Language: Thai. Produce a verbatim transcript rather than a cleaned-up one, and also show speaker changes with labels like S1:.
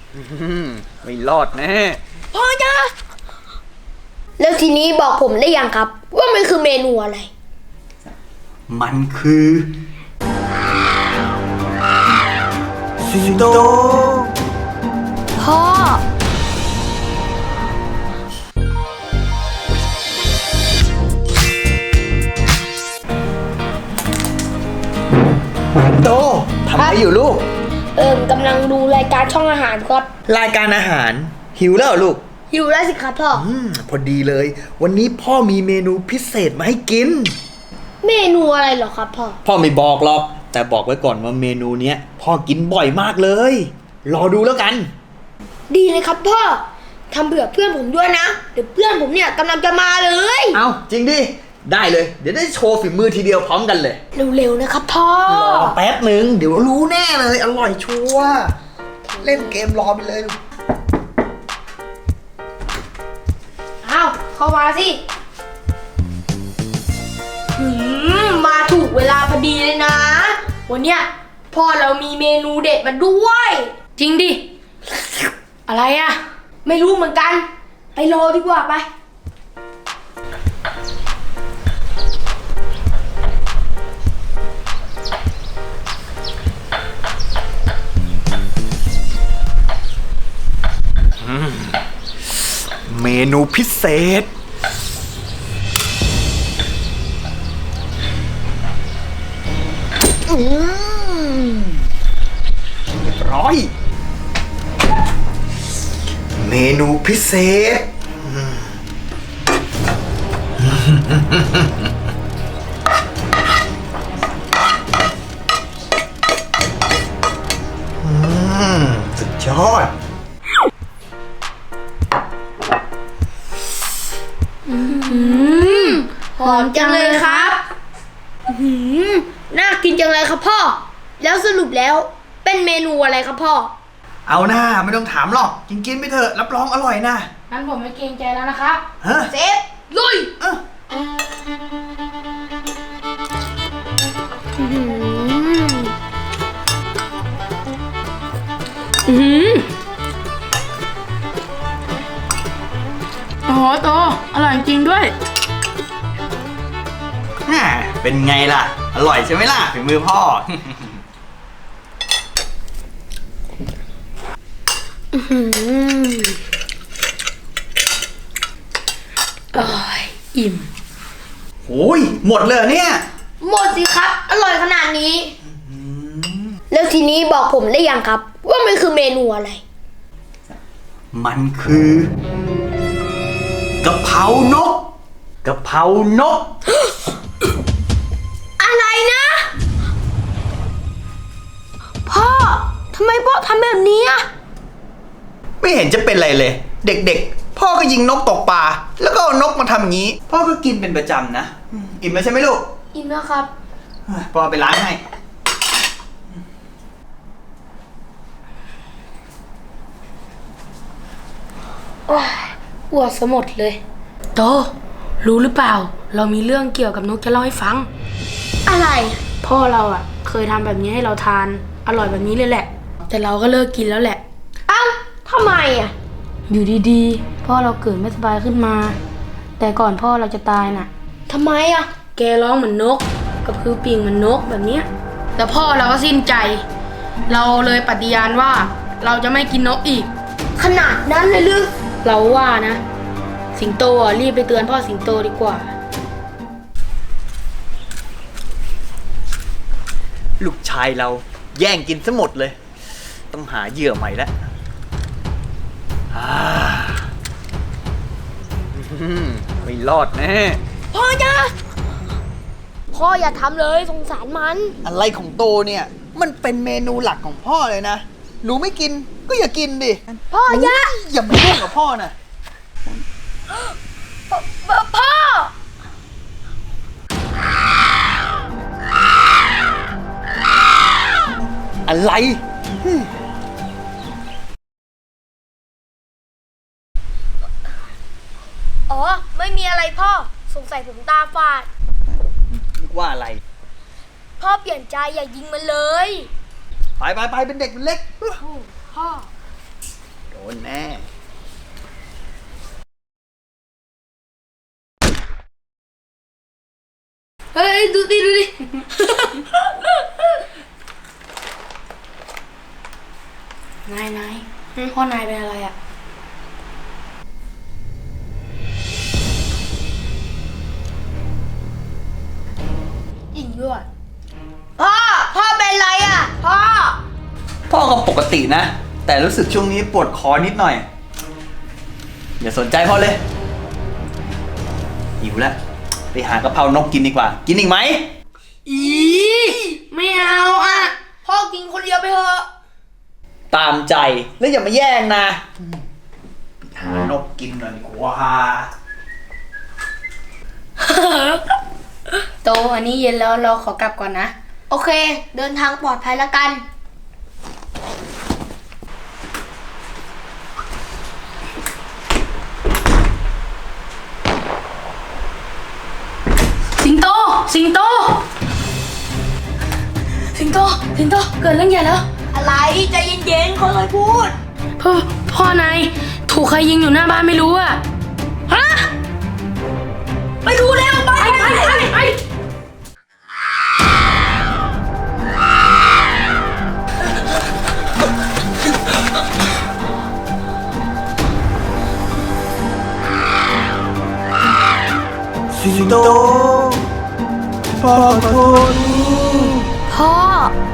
S1: ไม่รอดแน่
S2: พ่อจ้าแล้วทีนี้บอกผมได้ยังครับว่ามันคือเมนูอะไร
S1: มันคือสิงโต
S2: พ่อ
S1: สิงโตทำอะไรอยู่ลูก
S2: เอิมกำลังดูรายการช่องอาหารครับ
S1: รายการอาหารหิวแล้วลูก
S2: หิวแล้วสิครับพ่อ
S1: อืมพอดีเลยวันนี้พ่อมีเมนูพิเศษมาให้กิน
S2: เมนูอะไรเหรอครับพ่อ
S1: พ่อไม่บอกหรอกแต่บอกไว้ก่อนว่าเมนูเนี้ยพ่อกินบ่อยมากเลยรอดูแล้วกัน
S2: ดีเลยครับพ่อทำเผื่อเพื่อนผมด้วยนะเดี๋ยวเพื่อนผมเนี่ยกำลังจะมาเลย
S1: เอาจริงดิได้เลยเดี๋ยวได้โชว์ฝีมือทีเดียวพร้อมกันเลย
S2: เร็วๆนะครับพ่อ
S1: รอแป๊บหนึ่งเดี๋ยวรู้แน่เลยอร่อยชัวร์เล่นเกมรอไปเลย
S2: เอาเข้ามาสิหืมมาถูกเวลาพอดีเลยนะวันเนี้ยพ่อเรามีเมนูเด็ดมาด้วย
S3: จริงดิอะไรอะ
S2: ไม่รู้เหมือนกันไปรอดีกว่าไป
S1: เมนูพิเศษอืมเรียบร้อยเมนูพิเศษสุดยอด
S2: หอมจังเลยครับหืมน่ากินจังเลยครับพ่อแล้วสรุปแล้วเป็นเมนูอะไรครับพ่อ
S1: เอาหน้าไม่ต้องถามหรอกกินกินไปเถอะรับรองอร่อยนะ
S3: งั้นผมไม่เกรงใจแล้วนะครับ
S1: ฮะ
S2: เซฟลุย
S1: เออ
S3: อืมโอ้โหโตอร่อยจริงด้วย
S1: เป็นไงล่ะอร่อยใช่ไหมล่ะฝีมือพ่อ
S3: อร่อยอิ่ม
S1: โอ้ยหมดเลยเนี่ย
S2: หมดสิครับอร่อยขนาดนี้แล้วทีนี้บอกผมได้ยังครับว่ามันคือเมนูอะไร
S1: มันคือกะเพรานกกะเพรานก
S2: อะไรนะพ่อทำไมพ่อทำแบบนี้อ่ะ
S1: ไม่เห็นจะเป็นไรเลยเด็กๆพ่อก็ยิงนกตกปลาแล้วก็เอานกมาทำอย่างนี้พ่อก็กินเป็นประจำนะอิ่มแล้วใช่ไหมลูก
S2: อิ่มแล้วครับ
S1: พ่อไปล้างให้
S3: อ้วกซะหมดเลยโตรู้หรือเปล่าเรามีเรื่องเกี่ยวกับนกจะเล่าให้ฟัง
S2: อะไร
S3: พ่อเราอ่ะเคยทำแบบนี้ให้เราทานอร่อยแบบนี้เลยแหละแต่เราก็เลิกกินแล้วแหละ
S2: เอ้าทำไมอ่ะ
S3: อยู่ดีๆพ่อเราเกิดไม่สบายขึ้นมาแต่ก่อนพ่อเราจะตายน่ะ
S2: ทำไมอ่ะ
S3: แกร้องเหมือนนกกับคือปีกเหมือนนกแบบเนี้ยแต่พ่อเราก็สิ้นใจเราเลยปฏิญาณว่าเราจะไม่กินนกอีก
S2: ขนาดนั้นเลยหรือ
S3: เราว่านะสิงโตอ่ะรีบไปเตือนพ่อสิงโตดีกว่า
S1: ลูกชายเราแย่งกินซะหมดเลยต้องหาเหยื่อใหม่แล้วไม่รอดแน่
S2: พ่อจ้าพ่ออย่าทำเลยสงสารมัน
S1: อะไรของโตเนี่ยมันเป็นเมนูหลักของพ่อเลยนะหนูไม่กินก็อย่ากินดิ
S2: พ่ออย่า
S1: อย่ามายุ่งกับพ่อนะ
S2: พ่อ
S1: อะไร
S2: อ๋อไม่มีอะไรพ่อสงสัยผมตาฝาด
S1: นึกว่าอะไร
S2: พ่อเปลี่ยนใจอย่ายิงมันเลย
S1: ไปไปไปเป็นเด็กเป็นเล็ก
S2: พ่อ
S3: นายนายพ่อนายเป็นอะไรอ่ะ
S2: จริงด้วยพ่อ พ่อเป็นไรอ่ะ พ่อ
S1: พ่อก็ปกตินะ แต่รู้สึกช่วงนี้ปวดคอนิดหน่อย อย่าสนใจพ่อเลยหิวแล้วไปหากะเพรานกกินดีกว่า กินอีกไหม
S3: อีไม่เอาอ่ะ
S2: พ่อกินคนเดียวไปเถอะ
S1: ตามใจแล้วอย่ามาแย่งนะไปหานกกินหน่อยดีกว่า
S3: โตอันนี้เย็นแล้วเราขอกลับก่อนนะ
S2: โอเค เดินทางปลอดภัยแล้วกัน
S3: สิงโต สิงโต สิงโต สิงโต เกิดเรื่องใหญ่แล้ว
S2: อะไรใจเย็นๆเขาเลยพูด
S3: พ่อ พ่อนายถูกใครยิงอยู่หน้าบ้านไม่รู้อ่ะ ฮะ
S2: ไปดูเร็วไป
S3: ไปไปไปไป
S1: สิงโตพ่อขอโทษ
S2: พ่อ